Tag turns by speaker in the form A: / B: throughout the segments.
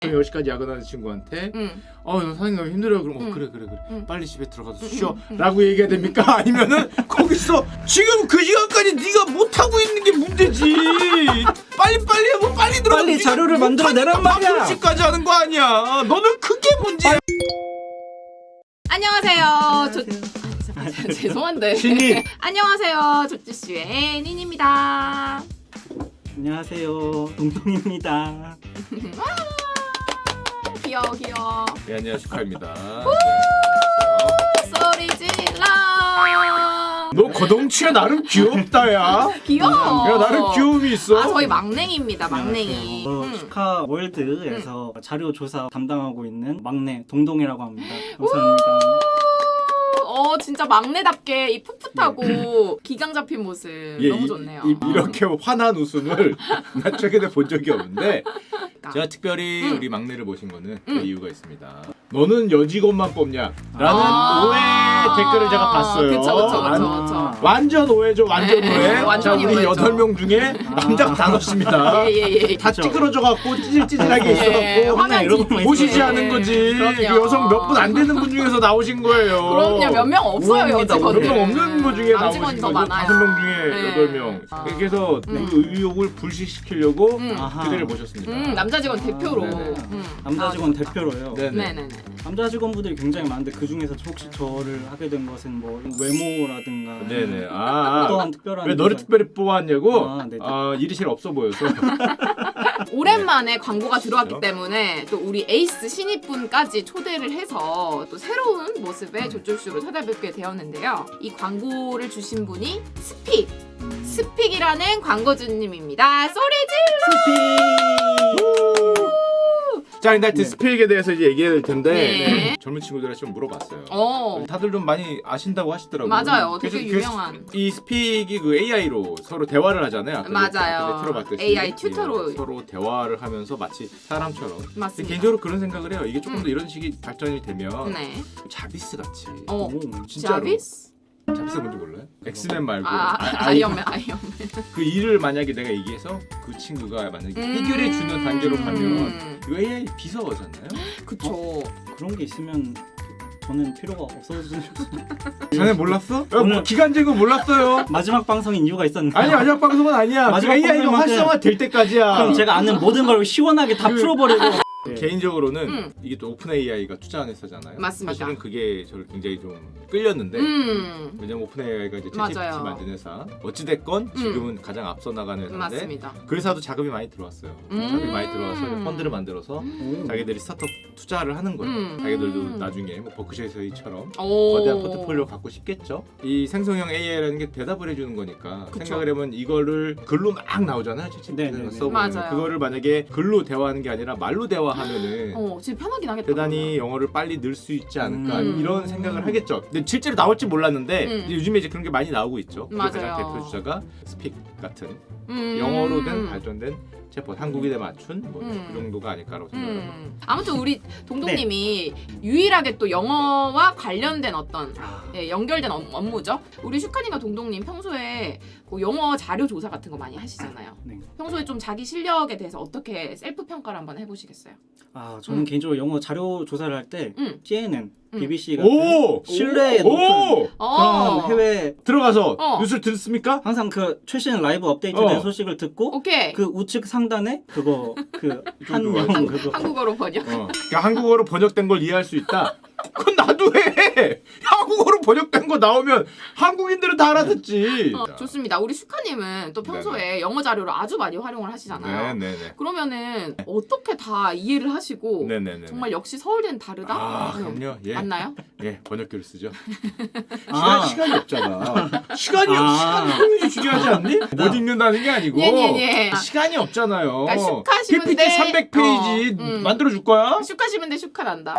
A: 10시까지 야근하는 친구한테 너 선생님 너무 힘들어요. 그럼 그래 빨리 집에 들어가서 쉬어 라고 얘기해야 됩니까? 아니면은 거기서 지금 그 시간까지 네가 못하고 있는 게 문제지. 빨리 하고 빨리 들어가서
B: 빨리 자료를 만들어내란 말이야.
A: 밥솥까지 하는 거 아니야. 너는 그게 문제야.
C: 안녕하세요. 죄송한데.
A: 신님.
C: 안녕하세요. 조찌씨의 닌입니다.
B: 안녕하세요, 동동입니다.
C: 귀여워.
A: 네, 안녕하세요. 슈카입니다.
C: 소리 질러.
A: 너 거덩치가 나름 귀엽다 야.
C: 귀여워.
A: 야 나름 귀여움이 있어.
C: 저희 막냉이입니다. 막냉이.
B: 슈카 월드에서 자료 조사 담당하고 있는 막내 동동이라고 합니다. 감사합니다.
C: 진짜 막내답게 이 풋풋하고 기강 잡힌 모습 너무 좋네요.
A: 이렇게 환한 웃음을 나 최근에 본 적이 없는데 제가 특별히 우리 막내를 모신 거는 그 이유가 있습니다. 너는 여직원만 뽑냐? 라는 오해 댓글을 제가 봤어요.
C: 그쵸.
A: 완전 오해죠, 완전 오해.
C: 완전
A: 자, 우리
C: 오해죠.
A: 8명 중에 남자가 5입니다.
C: 예.
A: 다 찌그러져갖고 찌질찌질하게 있어갖고
C: 화면
B: 이런 거
A: 보시지 않은 거지.
C: 그럼요.
A: 그 여성 몇 분 안 되는 분 중에서 나오신 거예요.
C: 그럼요. 몇 명 없어요,
B: 우아합니다.
C: 여직원.
A: 몇 명 없는 분 중에 나오신
C: 남직원이
A: 거죠.
C: 더 많아요.
A: 5명 중에
C: 네.
A: 8명. 그래서 그 의욕을 불식시키려고
B: 아하.
A: 그대를 모셨습니다.
C: 남자 직원 대표로.
A: 네네.
B: 남자 직원 대표로요.
A: 네네.
B: 남자 직원분들이 굉장히 많은데 그 중에서 혹시 저를 하게 된 것은 뭐 외모라든가
A: 네네.
B: 어떠한 특별한
A: 왜 너를
B: 이유가-
A: 특별히 뽑았냐고?
B: 네네.
A: 일이 제일 없어 보여서.
C: 오랜만에 광고가 들어왔기 때문에 또 우리 에이스 신입분까지 초대를 해서 또 새로운 모습의 조쫄쇼로 찾아뵙게 되었는데요. 이 광고를 주신 분이 스픽이라는 광고주님입니다. 소리
A: 자, 근데 하여튼 스픽에 대해서 이제 얘기해야 될 텐데
C: 네.
A: 젊은 친구들한테 좀 물어봤어요.
C: 질러.
A: 다들 좀 많이 아신다고 하시더라고요.
C: 맞아요. 되게
A: 그래서
C: 유명한.
A: 이 스픽이 그 AI로 서로 대화를 하잖아요. 아까
C: 맞아요.
A: 틀어봤듯이
C: AI 튜터로.
A: 서로 대화를 하면서 마치 사람처럼. 근데
C: 맞습니다.
A: 개인적으로 그런 생각을 해요. 이게 조금 더 이런 식이 발전이 되면
C: 네.
A: 자비스 같이.
C: 자비스?
A: 자비스 뭔지 몰라요? 엑스맨 말고
C: 아이언맨.
A: 그 일을 만약에 내가 얘기해서 그 친구가 만약에 해결해 주는 단계로 가면 이거 AI 비서잖아요.
C: 그쵸.
B: 그런 게 있으면 저는 필요가 없어지는
A: 전에 몰랐어?
B: 오늘-
A: 기간제고 몰랐어요.
B: 마지막 방송인 이유가 있었는데
A: 아니 마지막 방송은 아니야.
B: 마지막
A: AI가
B: 방송만큼-
A: 활성화 될 때까지야.
B: 그럼 제가 아는 모든 걸 시원하게 다 풀어버리고
A: 개인적으로는 이게 또 오픈 AI가 투자한 회사잖아요.
C: 맞습니다.
A: 사실은 그게 저를 굉장히 좀 끌렸는데 왜냐면 오픈 AI가 이제
C: 맞아요.
A: 챗GPT 만든 회사. 어찌됐건 지금은 가장 앞서 나가는 회사인데
C: 맞습니다.
A: 그 회사도 자금이 많이 들어왔어요. 자금이 많이 들어와서 펀드를 만들어서 자기들이 스타트업 투자를 하는 거예요. 자기들도 나중에 뭐 버크셔에서이처럼 거대한 포트폴리오 갖고 싶겠죠. 이 생성형 AI라는 게 대답을 해주는 거니까
C: 그쵸.
A: 생각을 해보면 이거를 글로 막 나오잖아요.
B: 네네네.
A: 챗GPT에서 써보면
C: 맞아요.
A: 그거를 만약에 글로 대화하는 게 아니라 말로 대화하면은
C: 지금 편하긴 하겠다.
A: 대단히 영어를 빨리 늘 수 있지 않을까 이런 생각을 하겠죠. 근데 실제로 나올지 몰랐는데 이제 요즘에 이제 그런 게 많이 나오고 있죠. 그
C: 맞아요.
A: 가장 대표 주자가 스픽 같은 영어로 된 발전된 챗봇 한국인에 맞춘 뭐 그 정도가 아닐까라고 생각합니다.
C: 아무튼 우리 동동님이 유일하게 또 영어와 관련된 어떤 연결된 업무죠. 우리 슈카님과 동동님 평소에 그 영어 자료 조사 같은 거 많이 하시잖아요.
B: 네.
C: 평소에 좀 자기 실력에 대해서 어떻게 셀프 평가를 한번 해보시겠어요?
B: 저는 개인적으로 영어 자료 조사를 할 때 CNN, BBC
A: 오!
B: 같은 신뢰의 높은
A: 오!
B: 그런 해외
A: 들어가서 뉴스를 들었습니까?
B: 항상 그 최신 라이브 업데이트된 소식을 듣고
C: 오케이.
B: 그 우측 상단에 그거 그 한영 그거
C: 한국어로 번역.
A: 그러니까 한국어로 번역된 걸 이해할 수 있다. 그건 나도 해. 한국어로 번역된 거 나오면 한국인들은 다 알아듣지.
C: 좋습니다. 우리 슈카님은 또 평소에 영어 자료를 아주 많이 활용을 하시잖아요.
A: 네네네.
C: 그러면은 어떻게 다 이해를 하시고
A: 네네네.
C: 정말 역시 서울대는 다르다?
A: 그럼요. 예.
C: 맞나요?
A: 예, 번역기를 쓰죠.
B: 아.
A: 시간이 없잖아. 시간이 효율이 중요하지 않니? 못 읽는다는 게 아니고
C: 예.
A: 시간이 없잖아요.
C: 그러니까 슈카시면
A: PPT 300페이지 만들어 줄 거야?
C: 슈카시면 돼 슈카 난다.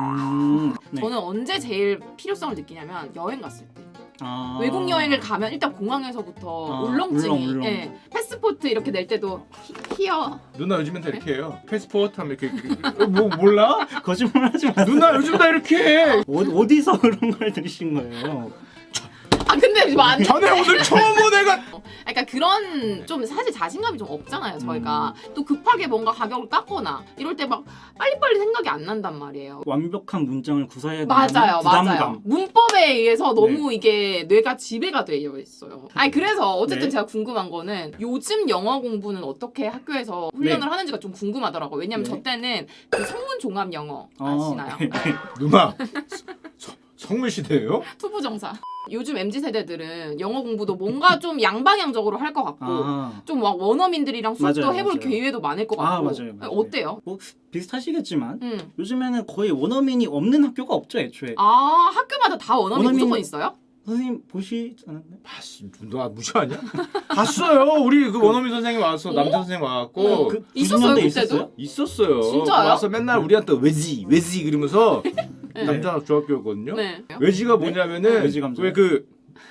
B: 네.
C: 저는 언제 제일 필요성을 느끼냐면 여행 갔을 때.
B: 아.
C: 외국 여행을 가면 일단 공항에서부터 울렁증이
B: 울렁.
C: 예. 패스포트 이렇게 낼 때도 히어
A: 누나 요즘엔 다 이렇게 해요. 패스포트 하면 이렇게 뭐 몰라?
B: 거짓말하지 마.
A: 누나 요즘 다 이렇게 해.
B: 어디서 그런 걸 들으신 거예요?
C: 아 근데 많이.
A: 전에 오늘 처음 온 애가.
C: 그러니까 그런 좀 사실 자신감이 좀 없잖아요 저희가. 또 급하게 뭔가 가격을 깎거나 이럴 때 막 빨리빨리 생각이 안 난단 말이에요.
B: 완벽한 문장을 구사해야 되는
C: 맞아요.
B: 부담감.
C: 문법에 의해서 너무 이게 뇌가 지배가 되어 있어요. 아니 그래서 어쨌든
B: 네.
C: 제가 궁금한 거는 요즘 영어 공부는 어떻게 학교에서 훈련을 하는지가 좀 궁금하더라고요. 왜냐면
B: 네.
C: 저 때는 그 성문 종합 영어 아시나요?
B: 네.
A: 누나 성물 시대예요?
C: 투부정사. 요즘 MZ 세대들은 영어 공부도 뭔가 좀 양방향적으로 할 것 같고 좀 막 원어민들이랑 수업도
B: 맞아요,
C: 해볼
B: 맞아요.
C: 기회도 많을 것 같고.
B: 맞아요.
C: 어때요?
B: 뭐 비슷하시겠지만 요즘에는 거의 원어민이 없는 학교가 없죠 애초에.
C: 아 학교마다 다 원어민
B: 원어민-
C: 무조건 있어요?
B: 선생님 보시지 않았나요?
A: 봤어. 누나 무시하냐? 봤어요. 우리 그 원어민 선생님 와서 남자 선생님 와갖고
B: 그
C: 있었어요,
B: 90년대
C: 그때도?
A: 있었어요.
C: 진짜요?
A: 와서 맨날 우리한테 외지 그러면서
C: 네.
A: 남자 중학교였거든요.
C: 네.
A: 외지가 뭐냐면은
B: 외지 감정.
A: 왜 그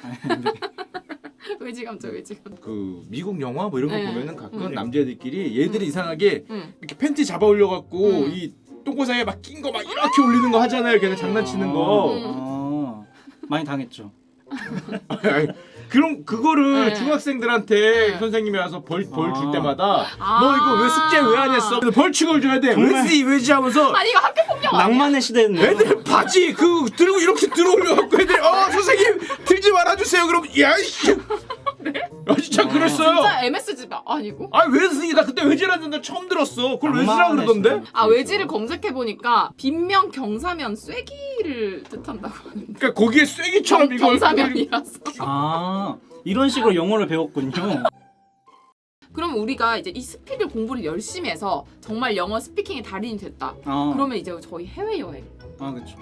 C: 외지감죠.
A: 미국 영화 뭐 이런 거
C: 네.
A: 보면은 가끔
B: 네.
A: 남자애들끼리 얘들이 이상하게
C: 응.
A: 이렇게 팬티 잡아 올려갖고
C: 음.
A: 이 똥꼬상에 막 낀 거 막 이렇게 올리는 거 하잖아요. 걔네 장난치는 거.
B: 많이 당했죠.
A: 아니, 그럼 그거를
C: 네.
A: 중학생들한테
C: 네.
A: 선생님이 와서 벌 줄
B: 아.
A: 때마다
C: 아.
A: 너 이거 왜 숙제 왜 안 했어? 벌칙을 줘야 돼.
B: 정말.
A: 왜지 하면서
C: 아니 이거 학교 폭력 아니야?
B: 낭만의 시대였네요.
A: 애들 바지 그 들고 이렇게 들어올려갖고 애들 선생님 들지 말아주세요. 그럼 야이씨. 아 진짜 그랬어요.
C: 진짜 MSG 아니고?
A: 아 외지 나 그때 외지라는 데 처음 들었어. 그걸 외지라
B: 낭만의
A: 그러던데.
B: 시대.
C: 아 외지를 검색해 보니까 빈명 경사면 쐐기를 뜻한다고 하는데
A: 그러니까 거기에 쐐기처럼 이거
C: 경사면이라서.
B: 이런 식으로 영어를 배웠군요.
C: 그럼 우리가 이제 이 스피드 공부를 열심히 해서 정말 영어 스피킹의 달인이 됐다. 그러면 이제 저희 해외 여행.
B: 그렇죠.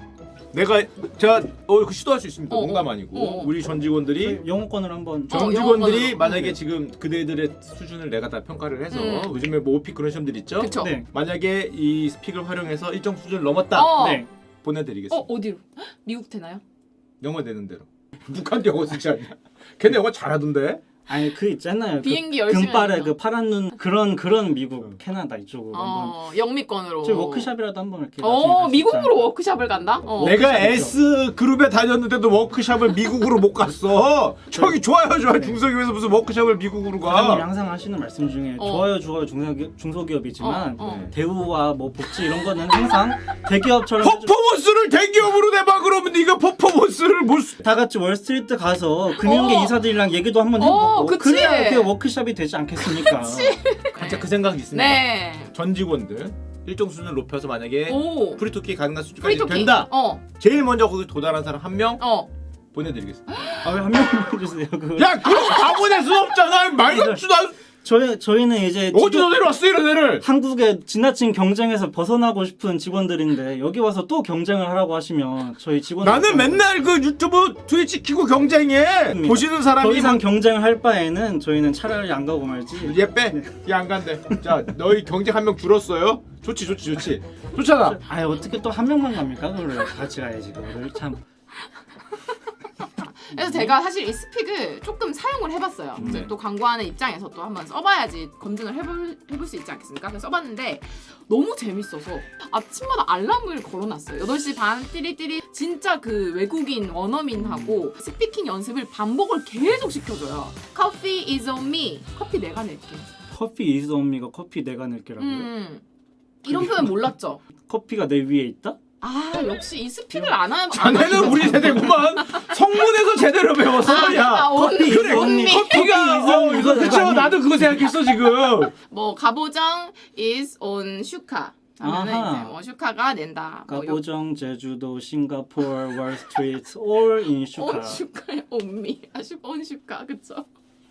A: 제가 그 시도할 수 있습니다.
C: 어,
A: 농담 아니고
C: 어.
A: 우리 전 직원들이
B: 영어권을 한번
A: 전
C: 영어권으로.
A: 직원들이 만약에
B: 네.
A: 지금 그대들의 수준을 내가 다 평가를 해서 요즘에 뭐 오픽 그런 시험들 있죠?
C: 그쵸?
B: 네.
A: 만약에 이 스픽을 활용해서 일정 수준을 넘었다
B: 네.
A: 보내드리겠습니다.
C: 어디로? 미국 되나요?
A: 영어 되는 대로. 북한 영어 쓰지 않냐? 걔네 영어 잘하던데?
B: 아니 그 있잖아요.
C: 비행기
B: 그
C: 열심히
B: 금발에
C: 하면서.
B: 그 파란 눈 그런 미국 캐나다 이쪽으로 한번
C: 영미권으로.
B: 저희 워크샵이라도 한번 이렇게 나중에 갈수
C: 미국으로
B: 있잖아요.
C: 워크샵을 간다?
A: 내가
B: 워크샵이죠.
A: S 그룹에 다녔는데도 워크샵을 미국으로 못 갔어. 저기 좋아요 중소기업에서 무슨 워크샵을 미국으로
B: 과장님이
A: 가?
B: 항상 하시는 말씀 중에
C: 어.
B: 좋아요 중소기업이지만
C: 어.
B: 대우와 뭐 복지 이런 거는 항상 대기업처럼
A: 퍼포먼스를 대기업으로 내봐. 그러면 네가 퍼포먼스를 못
B: 다 같이 월스트리트 가서 금융계 이사들이랑 얘기도 한번 해보고
C: 그치.
B: 그래야 그게 워크샵이 되지 않겠습니까?
A: 진짜 그 생각이 있습니다.
C: 네.
A: 전 직원들 일정 수준을 높여서 만약에
C: 오.
A: 프리토키 가능한 수준까지
C: 프리토키.
A: 된다.
C: 어.
A: 제일 먼저 거기 도달한 사람 한 명
C: 어.
A: 보내드리겠습니다.
B: 아 왜 한 명만 해주세요. 그걸.
A: 야 그럼 다 보낼 수 없잖아. 말 같지도 않.
B: 저희는 이제
A: 어디서 내려왔어 이런 애를?
B: 한국의 지나친 경쟁에서 벗어나고 싶은 직원들인데 여기 와서 또 경쟁을 하라고 하시면 저희 직원
A: 나는 맨날 그 유튜브 트위치 키고 경쟁해. 보시는 사람이
B: 더 이상 경쟁을 할 바에는 저희는 차라리 안 가고 말지.
A: 얘 빼. 얘 안 간대. 자 너희 경쟁 한 명 줄었어요. 좋지. 좋잖아.
B: 아 어떻게 또 한 명만 갑니까? 그걸 같이 가야지 그거를 참.
C: 그래서 제가 사실 이 스픽을 조금 사용을 해봤어요. 이제 또 광고하는 입장에서 또 한번 써봐야지 검증을 해볼 수 있지 않겠습니까? 그래서 써봤는데 너무 재밌어서 아침마다 알람을 걸어놨어요. 8시 반 띠리띠리 진짜 그 외국인 원어민하고 스피킹 연습을 반복을 계속 시켜줘요. Coffee is on me. 커피 내가 낼게.
B: 커피 이즈 언미가 커피 내가 낼게라고요?
C: 이런 표현 몰랐죠?
B: 커피가 내 위에 있다?
C: 아 역시 이 스픽을 안 하면
A: 자네는 우리 세대구만. 성문에서 제대로 배웠어. 야.
C: 커피
A: 그래
C: 언니.
A: 커피가
B: 이거
A: 그쵸.
B: 아니-
A: 나도 그거 생각했어 지금.
C: 뭐 가보정 is on 슈카 하면은
B: 아하.
C: 이제 뭐 슈카가 낸다. 뭐
B: 가보정, 제주도, 싱가포르, 월스트리트, all in 슈카.
C: 온 슈카에 온미. 온 슈카 그쵸?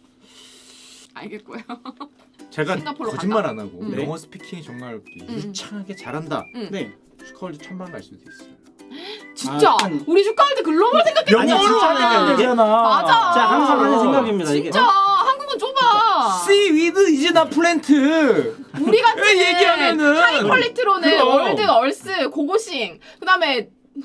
C: 알겠고요.
A: 제가
C: 싱가포르로
A: 거짓말
C: 간다?
A: 안 하고
C: 네.
A: 영어 스피킹이 정말 유창하게 잘한다.
B: 네.
A: 슈카월드 1000만 갈 수도 있어요.
C: 진짜 우리 슈카 할 때 글로벌 생각했잖아.
B: 아니, 진짜
A: 하면 되잖아.
C: 맞아.
B: 제가 항상 하는 생각입니다. 이게
C: 진짜 한국은 좁아.
A: See with is not 플랜트.
C: 우리 같은
A: 얘기하면은
C: 하이 퀄리티로는
A: 그럼.
C: 월드 얼스 고고싱 그다음에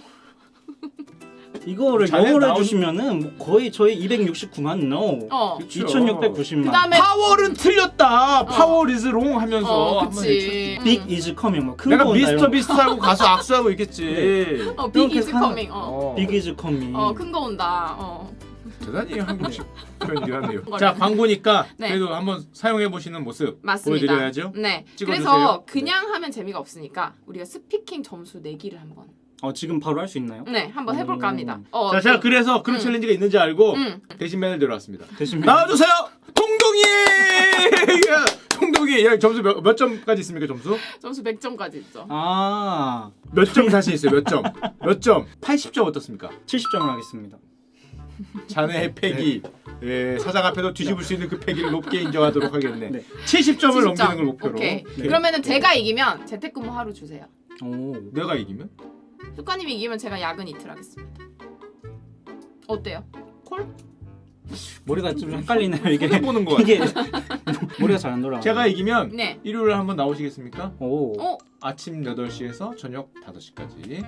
B: 이거를
A: 자네
B: 영어로
A: 나온-
B: 해주시면은 뭐 거의 저희 269만 no.
C: 어
B: 2690만.
C: 그다음에
A: 파월은 틀렸다. 파월 is wrong 하면서 한번
C: 그치.
B: Big is coming 뭐큰
A: 내가
B: 거 온다,
A: 미스터
B: 이런 거.
A: 비스트하고 가서 악수하고 있겠지.
C: 빅
B: 이렇게
C: 이즈
B: 사는-
C: 커밍.
A: 어.
B: Big is coming.
C: 큰 거 온다.
A: 대단히 한국식 표현이긴 하네요. 자, 광고니까
C: 네.
A: 그래도 한번 사용해 보시는 모습
C: 맞습니다.
A: 보여드려야죠.
C: 네.
A: 찍어주세요.
C: 그래서 그냥 하면 재미가 없으니까 우리가 스피킹 점수 내기를 한번
B: 지금 바로 할 수 있나요?
C: 네 한번 해볼까 합니다.
A: 자, 제가 그래서 그런 챌린지가 있는지 알고 대신맨을 데려왔습니다. 나와주세요, 동동이. 야, 동동이, 야, 점수 몇 점까지 있습니까?
C: 점수 100점까지 있죠.
A: 몇 점 자신 있어요? 몇 점? 몇 점? 80점 어떻습니까?
B: 70점을 하겠습니다.
A: 자네의 패기, 예, 사장 앞에서 뒤집을 수 있는 그 패기를 높게 인정하도록 하겠네.
B: 네.
A: 70점을
C: 70점.
A: 넘기는 걸 목표로.
C: 오케이.
B: 네.
C: 그러면은 제가 이기면 재택근무 하루 주세요.
B: 오.
A: 내가 이기면?
C: 효과님이 이기면 제가 야근 이틀 하겠습니다. 어때요? 콜?
B: 머리가 좀 헷갈리네요 이게.
A: 보는 거 같아.
B: 이게 머리가 잘 안 돌아.
A: 제가 이기면
C: 네.
A: 일요일에 한번 나오시겠습니까?
B: 오.
A: 아침 8시에서 저녁 5시까지.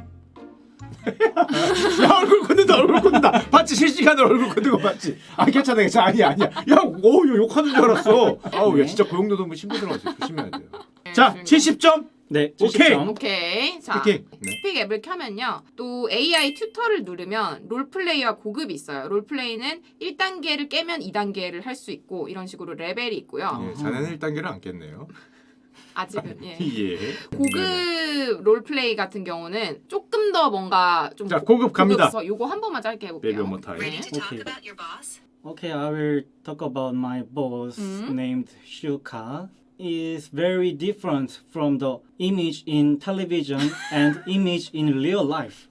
A: 야, 얼굴 걷는다. 봤지? 실시간으로 얼굴 걷는 거 봤지? 아, 괜찮아. 아니야. 야, 오, 이거 욕하는 줄 알았어. 아우, 야, 진짜 고용노동부 신분들어가지고 조심해야 돼요. 자, 70점.
B: 네.
A: 오케이.
B: 70점.
C: 오케이. 자,
A: 스피킹. 네.
C: 스픽 앱을 켜면요. 또 AI 튜터를 누르면 롤플레이와 고급이 있어요. 롤플레이는 1단계를 깨면 2단계를 할 수 있고 이런 식으로 레벨이 있고요.
A: 예, 자네는 1단계를 안 깼네요.
C: 아직은 예.
A: 예.
C: 고급 롤플레이 같은 경우는 조금 더 뭔가 좀
A: 자, 고급 갑니다.
C: 고급서 요거 한 번만 짧게 해볼게요.
A: Baby one more time.
C: 네.
B: Okay. Okay, I will talk about my boss named Shuka. Is very different from the image in television and image in real life.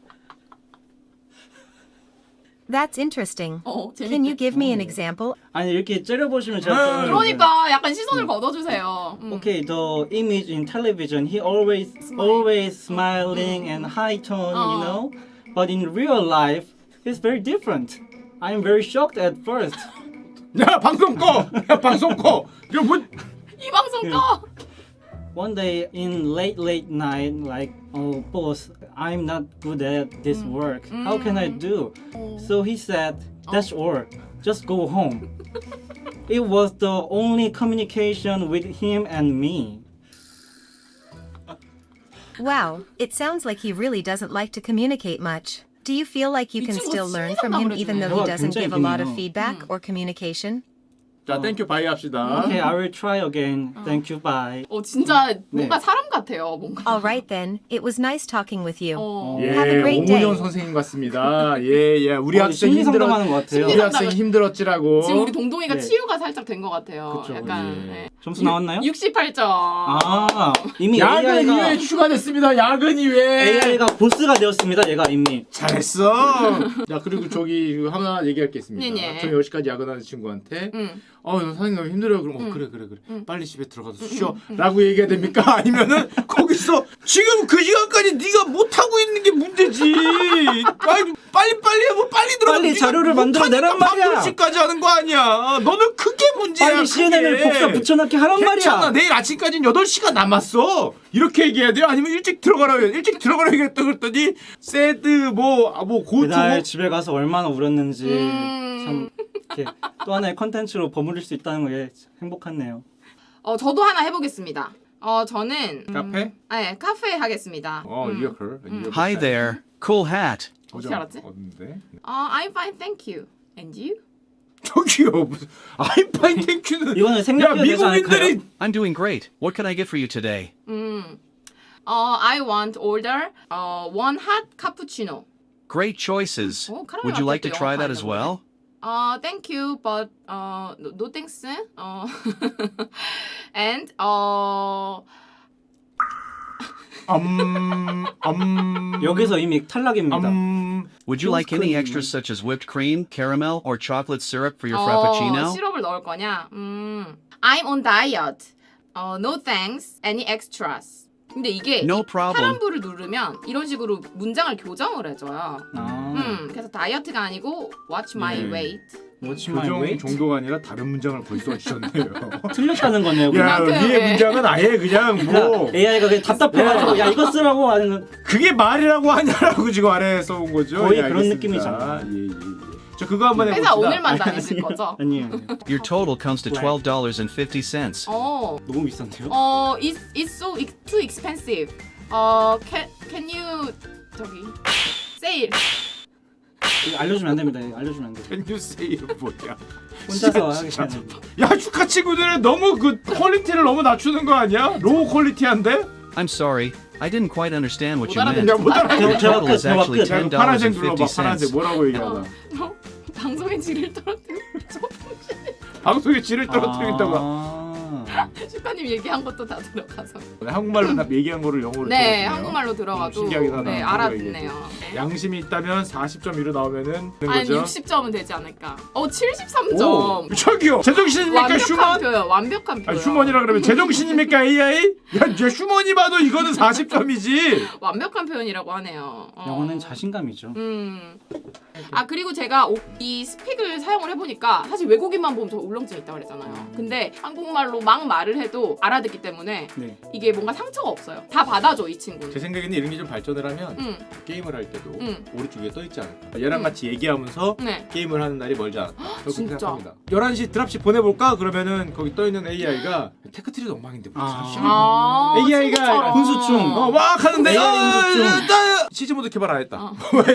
D: That's interesting.
C: 재밌게.
D: Can you give me an example?
B: 아니 이렇게 째려보시면 제가 좀-
C: 그러니까 약간 시선을 걷어주세요.
B: Okay, the image in television, he always smiling and high tone, you know. But in real life, he's very different. I'm very shocked at first.
A: 야, 방송 꺼. 야, 방송 꺼. 이거 뭐?
C: 이 방송 꺼.
B: One day in late night, like, oh boss, I'm not good at this work. How can I do? So he said, that's all. Just go home. It was the only communication with him and me.
D: Wow, it sounds like he really doesn't like to communicate much. Do you feel like you
C: 이
D: can
C: 친구
D: still learn
C: 진짜
D: from him even though he
B: 대화가
D: doesn't
B: 굉장히
D: give a lot of
B: 깊네요.
D: feedback or communication?
A: 자, 땡큐 바이 합시다.
B: Okay, I will try again. Thank you, bye.
C: 진짜 뭔가
B: 네.
C: 사람 같아요. 뭔가.
D: All right then, it was nice talking with you.
A: 예,
D: Have a great day.
A: 오문영 선생님 같습니다. 예, 우리 학생
B: 심리 상담하는 것 같아요.
A: 우리 학생 힘들었지라고.
C: 지금 우리 동동이가
B: 네.
C: 치유가 살짝 된 것 같아요.
A: 그쵸,
C: 약간
A: 예.
C: 네.
B: 점수 나왔나요?
C: 68점.
B: 이미
A: 야근
B: AI가
A: 이외에 추가됐습니다. 야근 이외에.
B: AI가 보스가 되었습니다. 얘가 이미.
A: 잘했어. 야, 그리고 저기 하나 얘기할 게 있습니다.
C: 네네.
A: 저 10시까지 야근하는 친구한테 너 사장님 너무 힘들어요. 그럼 그래. 빨리 집에 들어가서 쉬어. 라고 얘기해야 됩니까? 아니면은 거기서 지금 그 시간까지 네가 못 하고 있는 게 문제지. 빨리 하고 빨리 들어가.
B: 빨리 자료를 만들어내란 말이야.
A: 8시까지 하는 거 아니야. 너는 그게 문제야.
B: 빨리 CNN을
A: 그게.
B: 복사 붙여넣기 하란
A: 괜찮아.
B: 말이야.
A: 내일 아침까지는 8시간 남았어. 이렇게 얘기해야 돼요? 아니면 일찍 들어가라고 얘기했다 그랬더니 새드 고투
B: 그날 집에 가서 얼마나 울었는지 참 이렇게 또 하나의 컨텐츠로 버무릴 수 있다는 게 행복하네요.
C: 저도 하나 해보겠습니다. 저는
A: 카페?
C: 네, 카페 하겠습니다.
A: 이어컬.
E: Hi there. Cool hat.
C: 어떻게 알았지?
A: 어딘데?
C: I'm fine, thank you. And you?
A: 저기요. 무슨 아이파인 땡큐는
B: 이거는 생략해야 되지
A: 미국인들이
E: I'm doing great. What can I get for you today?
C: I want order one hot cappuccino.
E: Great choices.
C: 어, 카라멜
E: Would you like to
C: 라떼도
E: try that as
C: 영어가
E: well?
C: Thank you, but no thanks. And
B: 여기서 이미 탈락입니다.
E: Would you like any extras such as whipped cream, caramel, or chocolate syrup for your frappuccino?
C: 시럽을 넣을 거냐? I'm on diet. No thanks. Any extras? 근데 이게
E: No problem.
C: 파란불을 누르면 이런 식으로 문장을 교정을 해줘요. 그래서 다이어트가 아니고 watch my
A: 네.
C: weight.
B: What's my
A: 교정
B: weight?
A: 정도가 아니라 다른 문장을 벌써 주셨네요.
B: 틀렸다는 거네요.
A: 야,
B: 그냥.
C: 그만큼,
A: 위에
C: 예.
A: 문장은 아예 그냥 뭐
B: AI가 그냥 답답해가지고 야 이거 쓰라고 하는
A: 그게 말이라고 하냐라고 지금 아래에 써온 거죠.
B: 거의
A: 예,
B: 그런
A: 알겠습니다.
B: 느낌이잖아.
A: 예. 저 그거 한번 해봅시다.
C: 회사 오늘만 다니실 거죠?
B: 아니에요.
E: Your total comes to $12.50.
B: 너무 비싼데요?
C: It's so too expensive. Can you 저기 sale
B: 이거 알려주면 안 됩니다. 이거 알려주면 안 돼요.
A: Can you say 뭐야?
B: 혼자서
A: 진짜.
B: 하기 전에.
A: 야 슈카 친구들은 너무 그 퀄리티를 너무 낮추는 거 아니야? 로우 퀄리티한데?
E: I'm sorry, I didn't quite understand what
C: 못
E: you
A: 야
E: meant.
A: 못 알아.
E: The total is actually
A: 야, 이거 파란색 눌러봐.
E: $10.50.
A: 파란색 뭐라고 얘기하나?
C: 너 방송에 질을 떨어뜨리고
A: 방송에 질을 떨어뜨리겠다고.
C: 슈카님 얘기한 것도 다 들어가서.
A: 한국말로 다 얘기한 거를 영어로
C: 네,
A: 들었네요.
C: 한국말로 들어가도
A: 신기하긴 하다.
C: 네,
A: 한국어
C: 알아듣네요.
A: 양심이 있다면 40.1로 나오면은 되는
C: 한
A: 거죠.
C: 60점은 되지 않을까. 73점.
A: 저기요. 제정신입니까
C: 완벽한
A: 슈먼?
C: 표현, 완벽한 표현.
A: 아, 휴먼이라 그러면 제정신입니까 AI? 야, 이제 휴먼이 봐도 이거는 40점이지.
C: 완벽한 표현이라고 하네요.
B: 영어는 자신감이죠.
C: 아 그리고 제가 이 스픽을 사용을 해보니까 사실 외국인만 보면 저 울렁증 있다고 그랬잖아요. 근데 한국말로 막 말을 해도 알아듣기 때문에
B: 네.
C: 이게 뭔가 상처가 없어요. 다 받아줘 이 친구는.
A: 제 생각에는 이런 게 좀 발전을 하면 게임을 할 때도 오른쪽에 떠 있지 않을까. 얘랑 같이 얘기하면서
C: 네.
A: 게임을 하는 날이 멀지 않았다. 그렇게
C: 진짜.
A: 생각합니다. 11시 드랍십 보내볼까? 그러면은 거기 떠 있는 AI가 테크트리도 엉망인데 뭐
C: 아,
A: AI가
C: 친구처럼.
B: 훈수충.
A: 막 하는데
B: AI 훈수충.
A: 시즈 모드 개발 안 했다.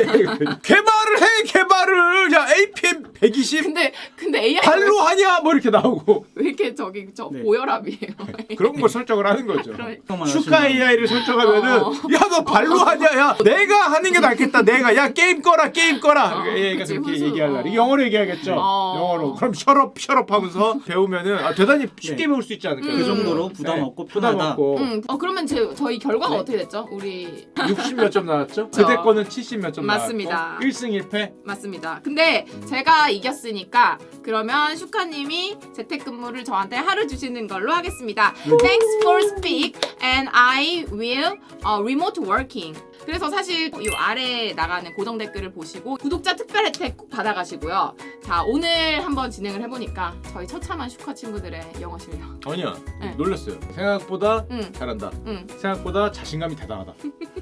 A: 개발을 해 개발을. 야 APM 120
C: 근데 AI
A: 발로 하냐 뭐 이렇게 나오고
C: 왜 이렇게 저기 저
B: 네.
C: 고혈압이에요.
A: 그런 걸 설정을 하는 거죠.
C: 그러니까.
A: 슈카 AI를 설정하면은 야 너 발로 하냐 야 내가 하는 게 낫겠다 내가 야 게임 꺼라 AI가
C: 그치,
A: 그렇게
C: 훈수.
A: 얘기할 날 영어로 얘기하겠죠. 영어로 그럼 셔럽 하면서 배우면은 대단히 쉽게 배울 수 있지 않을까.
B: 그 정도로 부담 없고
A: 부담
B: 편하다.
A: 없고
C: 그러면 저희 결과가
A: 네.
C: 어떻게 됐죠? 우리
A: 60 몇 점 나왔죠?
C: 그쵸.
A: 그대 거는 70 몇 점
C: 맞습니다.
A: 나왔고 1승 1패.
C: 맞습니다. 근데 제가 이겼으니까 그러면 슈카님이 재택근무를 저한테 하루 주시는 걸로 하겠습니다. Thanks for speak and I will remote working. 그래서 사실 이 아래에 나가는 고정 댓글을 보시고 구독자 특별 혜택 꼭 받아가시고요. 자 오늘 한번 진행을 해보니까 저희 처참한 슈카 친구들의 영어 실력.
A: 아니야
C: 네.
A: 놀랐어요. 생각보다
C: 응.
A: 잘한다.
C: 응.
A: 생각보다 자신감이 대단하다.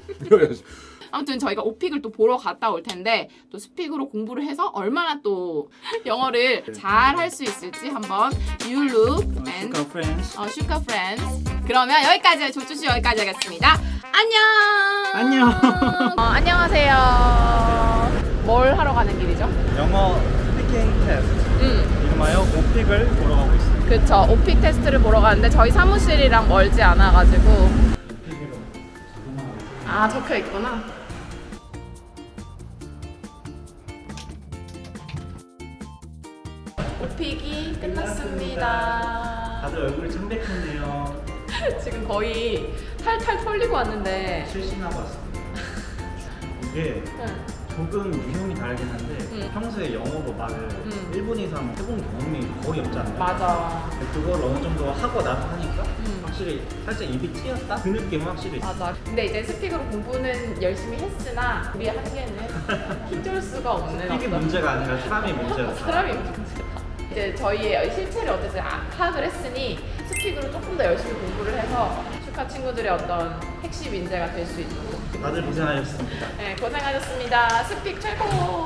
C: 아무튼 저희가 오픽을 또 보러 갔다 올 텐데 또 스픽으로 공부를 해서 얼마나 또 영어를 잘 할 수 있을지 한번 You look and
B: 슈카 프렌즈.
C: 슈카 프렌즈. 그러면 여기까지 조주씨 여기까지 하겠습니다. 안녕.
B: 안녕.
C: 안녕하세요. 뭘 하러 가는 길이죠?
B: 영어 스피킹 테스트. 이름하여 오픽을 보러 가고 있습니다.
C: 그쵸. 오픽 테스트를 보러 가는데 저희 사무실이랑 멀지 않아가지고. 아 적혀 있구나. 오픽이 끝났습니다.
B: 다들 얼굴이 창백했네요.
C: 지금 거의 탈탈 털리고 왔는데.
B: 실신하고 왔습니다. 이게 조금 유형이 다르긴 한데 평소에 영어로 말을 1분 이상 해본 경험이 거의 없잖아요.
C: 맞아.
B: 그걸 어느 정도 하고 나서 하니까 확실히 살짝 입이 튀었다? 그 느낌은 확실히 있어요.
C: 맞아. 근데 이제 스픽으로 공부는 열심히 했으나 우리 한계는 힘줄 수가 없는
B: 이게
C: 어떤
B: 문제가 아니라 사람이 문제였어.
C: 사람이 문제다. 이제 저희의 실체를 어쨌든 파악을 했으니 스픽으로 조금 더 열심히 공부를 해서 슈카 친구들의 어떤 핵심 인재가 될 수 있도록.
B: 다들 고생하셨습니다.
C: 네, 고생하셨습니다. 스픽 최고.